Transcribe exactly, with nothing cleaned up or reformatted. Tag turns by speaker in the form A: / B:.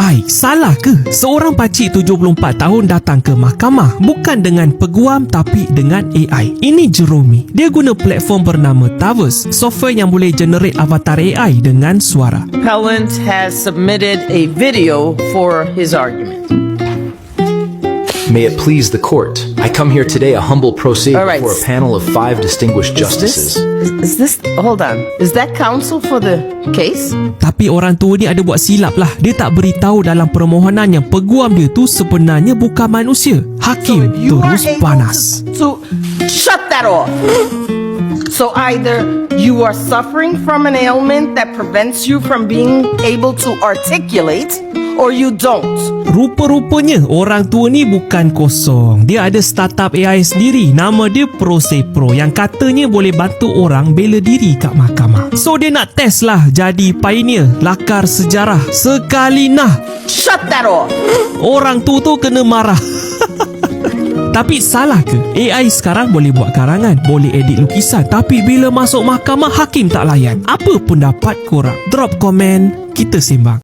A: Baik, salah ke? Seorang pakcik tujuh puluh empat tahun datang ke mahkamah bukan dengan peguam tapi dengan A I. Ini Jerome. Dia guna platform bernama Tavus, software yang boleh generate avatar A I dengan suara.
B: Appellant has submitted a video for his argument.
C: May it please the court, I come here today a humble pro se
B: All right.
C: before a panel of five distinguished
B: Is this,
C: justices.
B: is this, hold on, is that counsel for the case?
A: Tapi orang tua ni ada buat silap lah. Dia tak beritahu dalam permohonan yang peguam dia tu sebenarnya bukan manusia. Hakim
B: You are
A: terus
B: able
A: panas.
B: To, to shut that off. So either you are suffering from an ailment that prevents you from being able to articulate, or you don't.
A: Rupa-rupanya orang tua ni bukan kosong. Dia ada startup A I sendiri. Nama dia Prose Pro yang katanya boleh bantu orang bela diri kat mahkamah. So dia nak test lah jadi pioneer, lakar sejarah. Sekali nah,
B: Shut that off.
A: orang tu tu kena marah. Tapi salah ke? A I sekarang boleh buat karangan, boleh edit lukisan, tapi bila masuk mahkamah hakim tak layan. Apa pendapat korang? Drop komen, kita sembang.